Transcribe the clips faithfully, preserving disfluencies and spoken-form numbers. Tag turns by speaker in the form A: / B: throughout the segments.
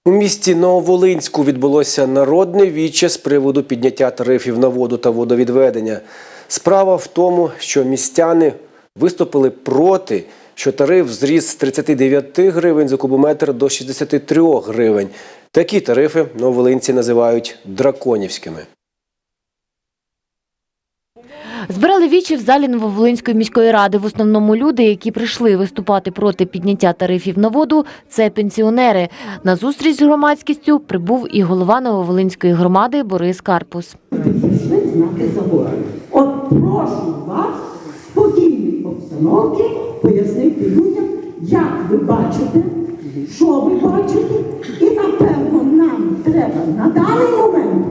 A: У місті Нововолинську відбулося народне віче з приводу підняття тарифів на воду та водовідведення. Справа в тому, що містяни виступили проти, що тариф зріс з тридцяти дев'яти гривень за кубометр до шістдесяти трьох гривень. Такі тарифи нововолинці називають драконівськими.
B: Збирали вічі в залі Нововолинської міської ради. В основному люди, які прийшли виступати проти підняття тарифів на воду – це пенсіонери. На зустріч з громадськістю прибув і голова Нововолинської громади Борис Карпус.
C: Пішли знати заводу. От прошу вас в спокійній обстановці пояснити людям, як ви бачите, що ви бачите. І, напевно, нам треба на даний момент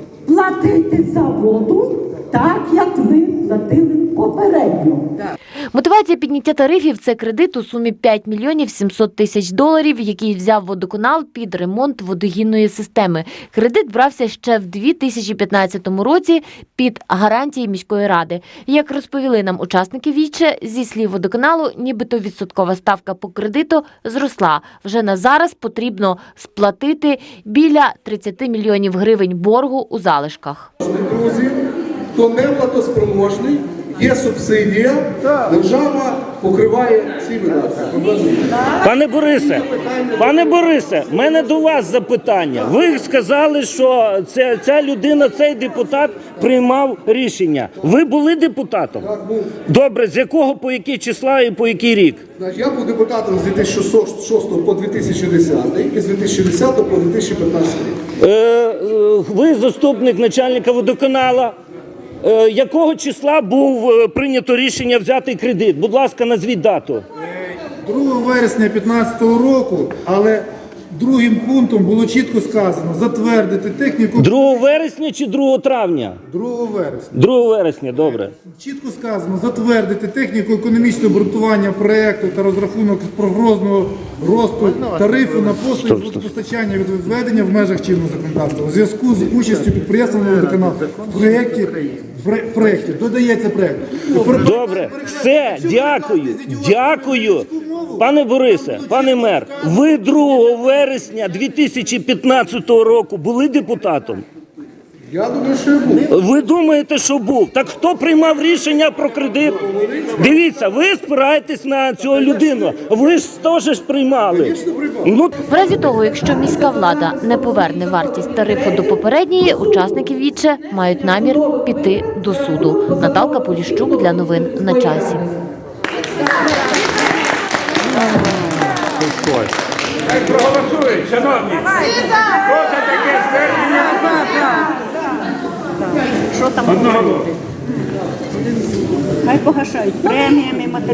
C: платити за воду так, як ми платили попередньо.
B: Мотивація підняття тарифів – це кредит у сумі п'ять мільйонів сімсот тисяч доларів, який взяв водоканал під ремонт водогінної системи. Кредит брався ще в дві тисячі п'ятнадцятому році під гарантії міської ради. Як розповіли нам учасники віче, зі слів водоканалу, нібито відсоткова ставка по кредиту зросла. Вже на зараз потрібно сплатити біля тридцяти мільйонів гривень боргу у залишках.
D: Друзі, хто не платоспроможний, є субсидія, держава покриває ці видатки.
E: Пане Борисе, пане Борисе, в мене до вас запитання. Ви сказали, що ця, ця людина, цей депутат приймав рішення. Ви були депутатом?
D: Так, був.
E: Добре, з якого по який числа і по який рік?
D: Я був депутатом з дві тисячі шостого по дві тисячі десятий і з дві тисячі десятого по дві тисячі п'ятнадцятий рік.
E: Е, е, ви заступник начальника водоканала. Е, якого числа був е, прийнято рішення взяти кредит? Будь ласка, назвіть дату.
F: другого вересня дві тисячі п'ятнадцятого року, але другим пунктом було чітко сказано затвердити техніку.
E: другого вересня чи другого травня?
F: другого вересня.
E: другого вересня, добре.
F: Чітко сказано затвердити техніку економічного обґрунтування проєкту та розрахунок прогнозного росту тарифу на послуги водопостачання від відведення в межах чинного законодавства. У зв'язку з участю підприємства водоканалу в проєкті, в проєкті, додається проєкт.
E: Добре, все, дякую, дякую. Пане Борисе, пане мер, ви другого вересня дві тисячі п'ятнадцятого року були депутатом?
D: Я думаю, що я був.
E: Ви думаєте, що був? Так хто приймав рішення про кредит? Дивіться, ви спираєтесь на цю людину. Ви ж теж ж приймали. Ну,
B: В разі того, якщо міська влада не поверне вартість тарифу до попередньої, учасники віче мають намір піти до суду. Наталка Поліщук для новин на часі.
G: Хай проголосують, шановні. Хто за таке звернення?
H: Що там?
G: Одного.
H: Хай погашають преміями, матеріалами.